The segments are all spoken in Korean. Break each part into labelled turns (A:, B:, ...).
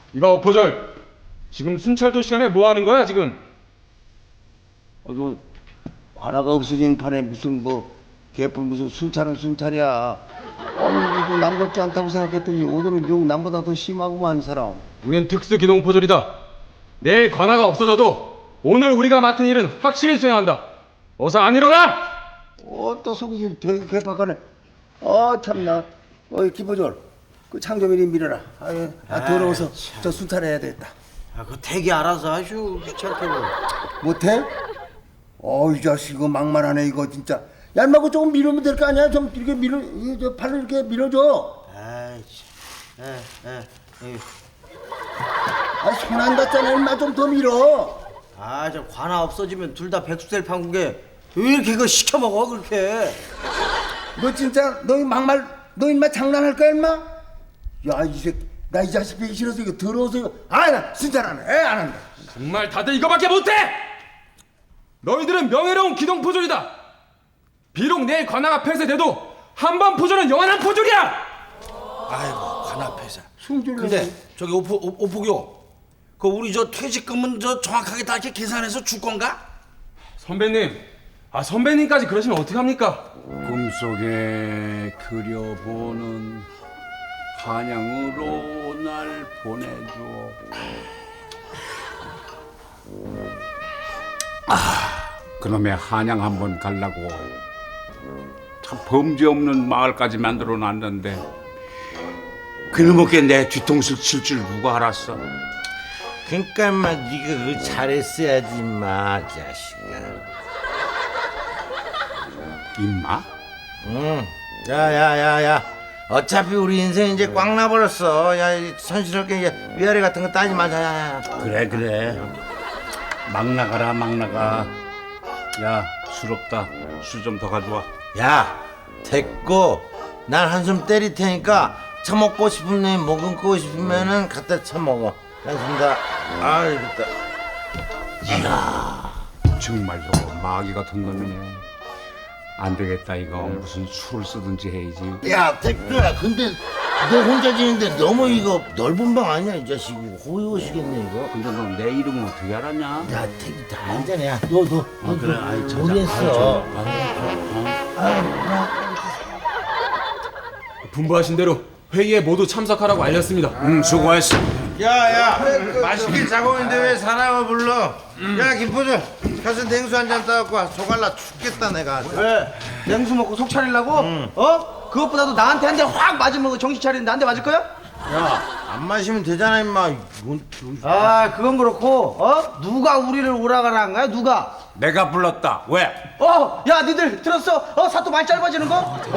A: 이봐 오포절, 지금 순찰도 시간에 뭐 하는 거야 지금?
B: 너 하나가 없어진 판에 무슨 뭐 개뿔 무슨 순찰은 순찰이야. 아니 이거 남 같지 않다고 생각했더니 오늘은 욕 남보다 더 심하구만 사람.
A: 우리는 특수 기동 포졸이다. 내일 관아가 없어져도 오늘 우리가 맡은 일은 확실히 수행한다. 어서 안 일어나!
B: 또 속이 되게 개박하네. 참나. 김포졸 그 창조민이 밀어라. 더러워서 저 순찰해야 되겠다.
C: 그거 되게 알아서 하슈 귀찮게 뭐.
B: 못해? 이 자식 이거 막말하네 이거 진짜. 야 인마 그 조금 밀으면 될 거 아니야? 좀 이렇게 저 팔로 이렇게 밀어줘.
C: 아이 참.
B: 손 안 닿잖아 인마 좀 더 밀어.
C: 저 관아 없어지면 둘 다 백수 될 판국에 왜 이렇게 그거 시켜 먹어 그렇게?
B: 너 진짜 너 막말 너 인마 장난할 거야 인마? 야 이 새끼 나 이 자식 배기 싫어서 이거 더러워서 이거 나 진짜 안 한다.
A: 정말 다들 이거밖에 못해! 너희들은 명예로운 기동 포졸이다. 비록 내일 관아가 폐쇄돼도 한 번 포졸은 영원한 포졸이야.
C: 아이고 관아 폐쇄.
B: 승질
C: 근데 저기 오포교 그 우리 저 퇴직금은 저 정확하게 다 이렇게 계산해서 줄 건가?
A: 선배님, 선배님까지 그러시면 어떡합니까?
D: 꿈속에 그려보는 한양으로 날 보내줘. 그놈의 한양 한번 가려고 참 범죄 없는 마을까지 만들어 놨는데 그놈에게 내 뒤통수를 칠 줄 누가 알았어?
E: 그러니까 인마 네가 그거 잘했어야지 인마 자식아.
D: 임마?
E: 응. 야야야야. 어차피 우리 인생 이제 꽉 나버렸어. 야 선실하게 위아래 같은 거 따지 마자. 야.
D: 그래 막 나가라 막 나가. 야 술 없다. 술 좀 더 가져와.
E: 야 됐고 난 한숨 때릴 테니까 처먹고 싶으면 먹고 싶으면은 갖다 처먹어. 알겠습니다. 됐다.
D: 정말 저거 마귀 같은 놈이네. 안 되겠다 이거. 무슨 술을 쓰든지 해야지.
E: 야 택배야 근데 너 혼자 지는데 너무 이거 넓은 방 아니야 이 자식. 호의호시겠네 이거.
D: 근데 너 내 이름은 어떻게 알았냐?
E: 야 택이 다 알잖아. 너
D: 그래, 아이, 찾아.
E: 모르겠어.
A: 분부하신 대로 회의에 모두 참석하라고 알렸습니다.
D: 수고했어.
E: 야야 맛있게 자고 있는데 왜 사람을 불러? 야 김포주 가서 냉수 한 잔 따갖고 와. 조갈라 죽겠다 내가.
C: 왜? 냉수 먹고 속 차리려고? 그것보다도 나한테 한 대 확 맞으면 정신 차리는데 한 대 맞을 거야?
E: 야 안 마시면 되잖아 임마.
C: 그건 그렇고 누가 우리를 오라가라 한 거야 누가?
D: 내가 불렀다. 왜?
C: 야 니들 들었어? 사또 많이 짧아지는 거?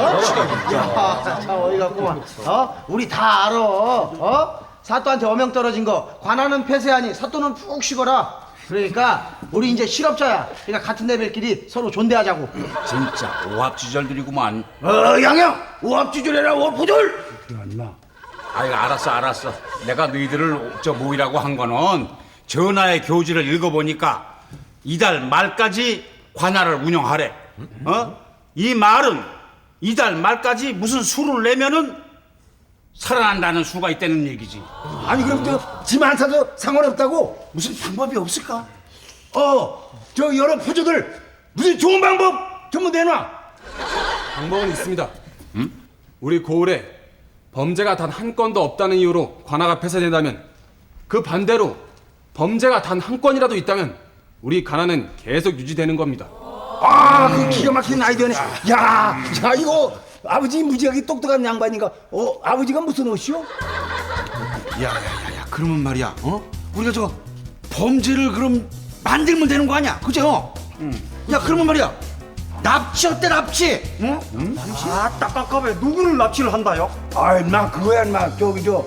C: 야, 참 어이가 없구만. 우리 다 알아. 사또한테 어명 떨어진 거 관아는 폐쇄하니 사또는 푹 쉬거라. 그러니까 우리 이제 실업자야. 그러니까 같은 레벨끼리 서로 존대하자고.
D: 진짜 오합지졸들이구만.
C: 양양 오합지졸해라 오포졸.
D: 아이 알았어. 내가 너희들을 저 모이라고 한 거는 전하의 교지를 읽어보니까 이달 말까지 관할을 운영하래. 이 말은 이달 말까지 무슨 수를 내면은 살아난다는 수가 있다는 얘기지.
B: 아니 그럼 짐 안 사도 상관없다고? 무슨 방법이 없을까? 저 여러 포조들 무슨 좋은 방법 전부 내놔.
A: 방법은 있습니다. 우리 고을에 범죄가 단 한 건도 없다는 이유로 관아가 폐쇄된다면 그 반대로 범죄가 단 한 건이라도 있다면 우리 관아는 계속 유지되는 겁니다.
B: 그 기가 막힌 아이디어네. 야 이거 아버지 무지하게 똑똑한 양반인가? 아버지가 무슨 옷이요?
C: 야야야야 그러면 말이야 우리가 저 범죄를 그럼 만들면 되는 거 아니야 그죠? 야 그러면 말이야 납치 어때 납치?
F: 딱깝깝해 누구를 납치를 한다요?
B: 나 그거야 인마. 저기 저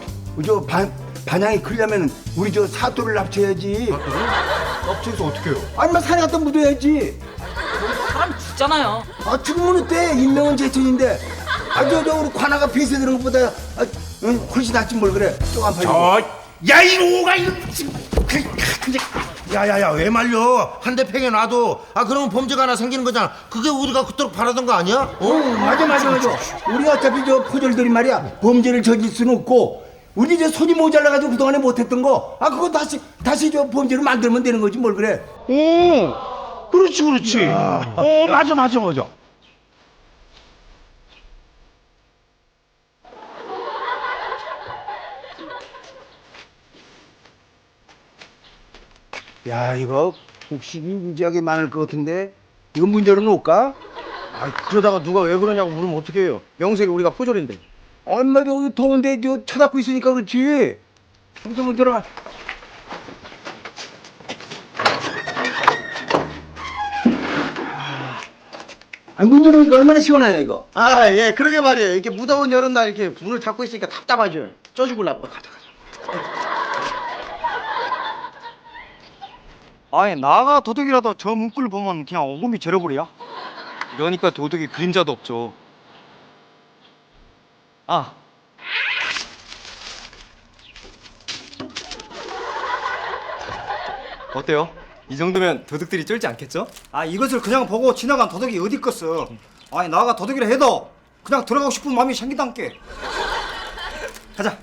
B: 반향이 크려면 우리 저 사또를 납치해야지.
F: 납치해서 어떻게 해요?
B: 인마 산에 갖다 묻어야지.
G: 사람 죽잖아요.
B: 죽으면 어때? 인명은 제천인데. 저 우리 관아가 폐쇄되는 것보다 훨씬 낫지 뭘 그래. 쪼간 팔고.
E: 야 이놈아 이거. 야야야 왜 말려? 한 대 팽에 놔도 그러면 범죄가 하나 생기는 거잖아. 그게 우리가 그토록 바라던 거 아니야?
B: 맞아. 우리가 어차피 저 포졸들이 말이야 범죄를 저질 수는 없고 우리 저 손이 모자라가지고 그동안에 못했던 거, 그거 다시 저 범죄로 만들면 되는 거지 뭘 그래.
F: 그렇지. 맞아.
B: 야, 이거 혹시 무지하게 많을 것 같은데 이거 문 열어놓을까?
F: 그러다가 누가 왜 그러냐고 물으면 어떻게 해요? 명색이 우리가 포졸인데.
B: 얼마나 여기 더운데 저 쳐닫고 있으니까 그렇지. 문 들어가. 문 열어놓으니까 얼마나 시원하냐 이거.
C: 예, 그러게 말이에요. 이렇게 무더운 여름날 이렇게 문을 닫고 있으니까 답답하죠. 쪄 죽을라고. 가자.
F: 아니 나가 도둑이라도 저 문구를 보면 그냥 오금이 절어버려. 이러니까 도둑이 그림자도 없죠. 어때요? 이 정도면 도둑들이 쫄지 않겠죠? 이것을 그냥 보고 지나간 도둑이 어디 있겠어. 아니 나가 도둑이라 해도 그냥 들어가고 싶은 마음이 생기단께. 가자.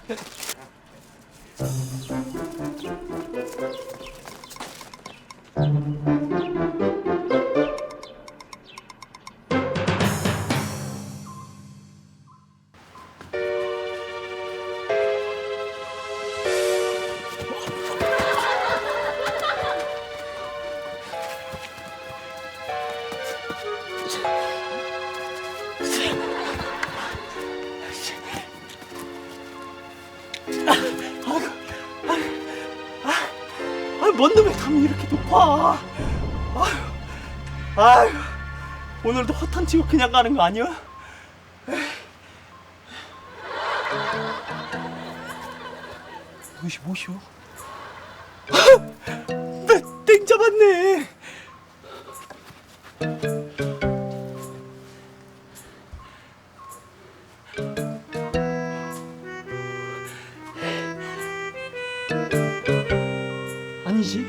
H: 뭔 놈의 감이 이렇게 높아? 아유, 오늘도 허탄 치고 그냥 가는 거 아니야? 뭐시오? 나땡 잡았네. 아니지?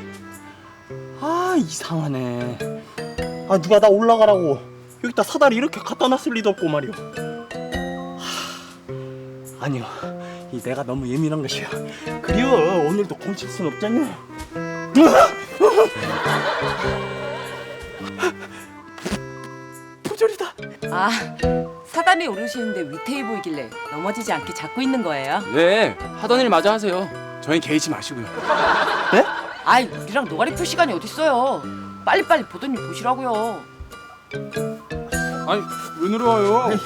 H: 이상하네. 누가 나 올라가라고 여기다 사다리 이렇게 갖다 놨을 리도 없고 말이오. 아니요, 이 내가 너무 예민한 것이야. 그려 오늘도 공칠 순 없잖여. 부절이다.
G: 사단에 오르시는데 위태해 보이길래 넘어지지 않게 잡고 있는 거예요.
A: 네, 하던 일 마저 하세요. 저희 개의치 마시고요.
H: 네?
G: 우리랑 노가리 풀 시간이 어딨어요. 빨리빨리 보던 일 보시라고요.
A: 아니, 왜 내려와요?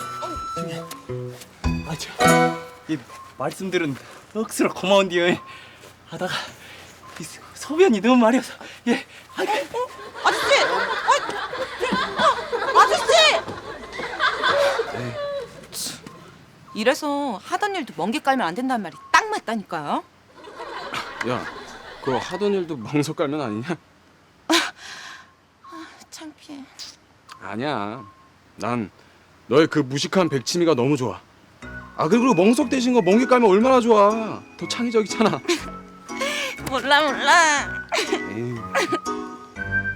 H: 이 말씀들은 억수로 고마운데요. 하다가 이 소변이 너무 마려서
G: 아저씨! 아저씨! 이래서 하던 일도 멍게 깔면 안 된다는 말이 딱 맞다니까요.
A: 야, 그거 하던 일도 멍석 깔면 아니냐?
G: 창피해.
A: 아니야. 난 너의 그 무식한 백치미가 너무 좋아. 그리고 멍석 대신 거 멍게 깔면 얼마나 좋아. 더 창의적이잖아.
G: 몰라.
A: 에이.